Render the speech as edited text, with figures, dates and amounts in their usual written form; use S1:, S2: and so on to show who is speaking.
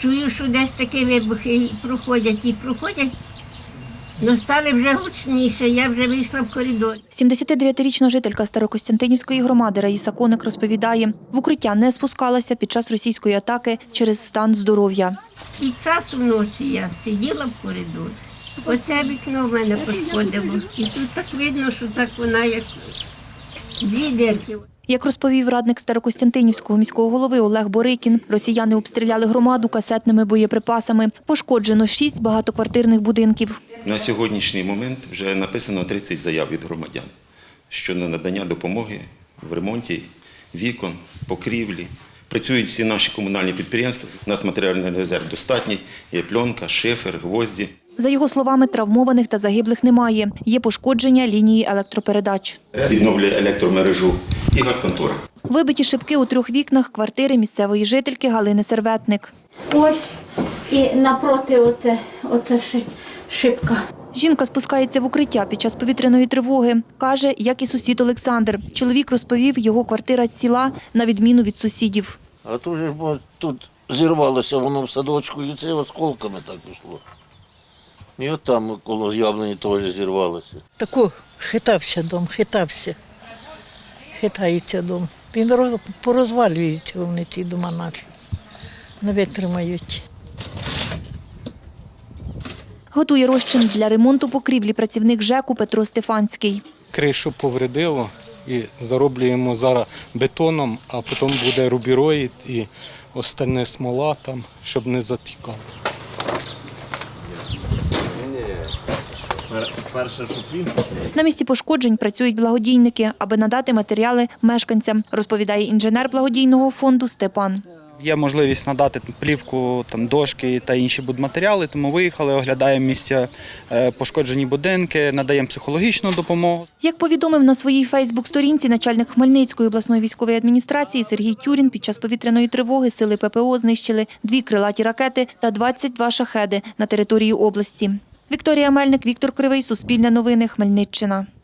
S1: чую, що десь такі вибухи проходять. Ну, стали вже гучніше, я вже вийшла в коридор.
S2: 79-річна жителька Старокостянтинівської громади Раїса Коник розповідає, в укриття не спускалася під час російської атаки через стан здоров'я.
S1: Під час вночі я сиділа в коридорі. Оце вікно в мене пошкодило. І тут так видно, що так вона як дві дірки.
S2: Як розповів радник Старокостянтинівського міського голови Олег Борикін, росіяни обстріляли громаду касетними боєприпасами. Пошкоджено 6 багатоквартирних будинків.
S3: На сьогоднішній момент вже написано 30 заяв від громадян щодо надання допомоги в ремонті вікон, покрівлі. Працюють всі наші комунальні підприємства. У нас матеріальний резерв достатній, є пленка, шифер, гвозді.
S2: За його словами, травмованих та загиблих немає. Є пошкодження лінії електропередач.
S3: Відновлює електромережу і газконтора.
S2: Вибиті шибки у 3 вікнах квартири місцевої жительки Галини Серветник.
S4: Ось і напроти оце шибка.
S2: Жінка спускається в укриття під час повітряної тривоги. Каже, як і сусід Олександр. Чоловік розповів, його квартира ціла, на відміну від сусідів.
S5: А тут же ж тут зірвалося воно в садочку, і це осколками так пішло. І от там коло яблуні теж зірвалося.
S6: Таку хитався дом, хитається дом. Він порозвалюється, вони ці дома наші, не витримають.
S2: Готує розчин для ремонту покрівлі працівник ЖЕКу Петро Стефанський.
S7: Кришу повредило і зароблюємо зараз бетоном, а потім буде рубіроїд і остальне смола там, щоб не затікало.
S2: На місці пошкоджень працюють благодійники, аби надати матеріали мешканцям, розповідає інженер благодійного фонду Степан.
S8: Є можливість надати плівку, дошки та інші будматеріали, тому виїхали, оглядаємо місця пошкоджені будинки, надаємо психологічну допомогу.
S2: Як повідомив на своїй фейсбук-сторінці начальник Хмельницької обласної військової адміністрації Сергій Тюрін, під час повітряної тривоги сили ППО знищили 2 крилаті ракети та 22 шахеди на території області. Вікторія Мельник, Віктор Кривий, Суспільне новини, Хмельниччина.